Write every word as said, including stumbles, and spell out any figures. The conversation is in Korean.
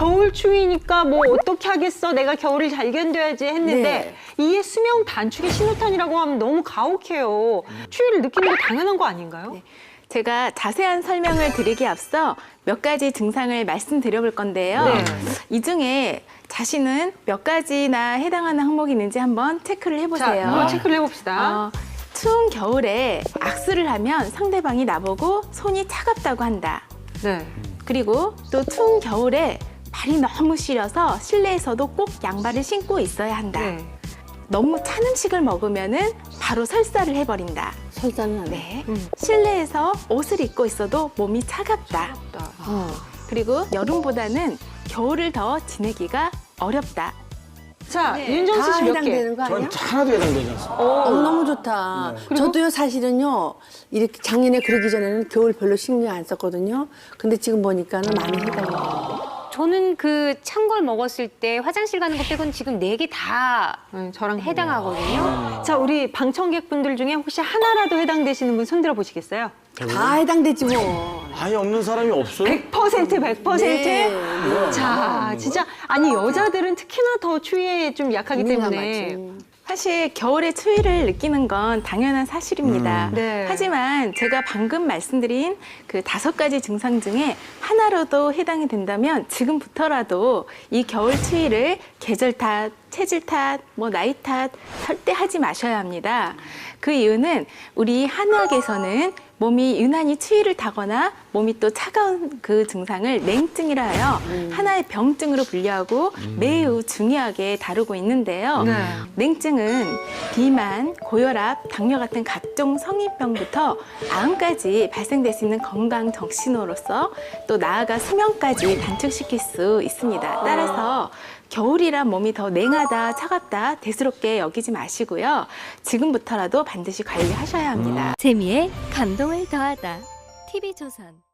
겨울 추위니까 뭐 어떻게 하겠어, 내가 겨울을 잘 견뎌야지 했는데 네. 이게 수명 단축의 신호탄이라고 하면 너무 가혹해요. 추위를 느끼는 게 당연한 거 아닌가요? 네. 제가 자세한 설명을 드리기 앞서 몇 가지 증상을 말씀드려 볼 건데요. 네. 이 중에 자신은 몇 가지나 해당하는 항목이 있는지 한번 체크를 자, 해보세요. 한번 체크를 해봅시다. 어, 추운 겨울에 악수를 하면 상대방이 나보고 손이 차갑다고 한다. 네. 그리고 또 추운 겨울에 발이 너무 시려서 실내에서도 꼭 양발을 신고 있어야 한다. 네. 너무 찬 음식을 먹으면은 바로 설사를 해버린다. 설사는 안 해. 네. 음. 실내에서 옷을 입고 있어도 몸이 차갑다. 어. 그리고 여름보다는 겨울을 더 지내기가 어렵다. 자, 네. 윤정수 다 씨 몇 개? 해당되는 거 아니야? 전 하나도 해당되지 않습니다. 어, 너무 좋다. 저도요, 사실은요, 이렇게 작년에 그러기 전에는 겨울 별로 신경 안 썼거든요. 근데 지금 보니까는 많이 해당이 돼요. 저는 그 찬 걸 먹었을 때 화장실 가는 것 빼고는 지금 네 개 다 네, 저랑 해당하거든요. 자, 우리 방청객분들 중에 혹시 하나라도 해당되시는 분 손들어 보시겠어요? 다 해당되지 뭐. 아예 없는 사람이 없어요? 백 퍼센트, 백 퍼센트? 네, 네. 자, 진짜 아니 여자들은 특히나 더 추위에 좀 약하기 때문에 민감하지. 사실 겨울에 추위를 느끼는 건 당연한 사실입니다. 음. 네. 하지만 제가 방금 말씀드린 그 다섯 가지 증상 중에 하나라도 해당이 된다면 지금부터라도 이 겨울 추위를 계절 탓, 체질 탓, 뭐 나이 탓 절대 하지 마셔야 합니다. 그 이유는 우리 한의학에서는 몸이 유난히 추위를 타거나 몸이 또 차가운 그 증상을 냉증이라 하여 하나의 병증으로 분류하고 매우 중요하게 다루고 있는데요. 네. 냉증은 비만, 고혈압, 당뇨 같은 각종 성인병부터 암까지 발생될 수 있는 건강 정신으로서 또 나아가 수명까지 단축시킬 수 있습니다. 따라서 겨울이란 몸이 더 냉하다, 차갑다, 대수롭게 여기지 마시고요. 지금부터라도 반드시 관리하셔야 합니다. 재미에 감동을 더하다. 티비조선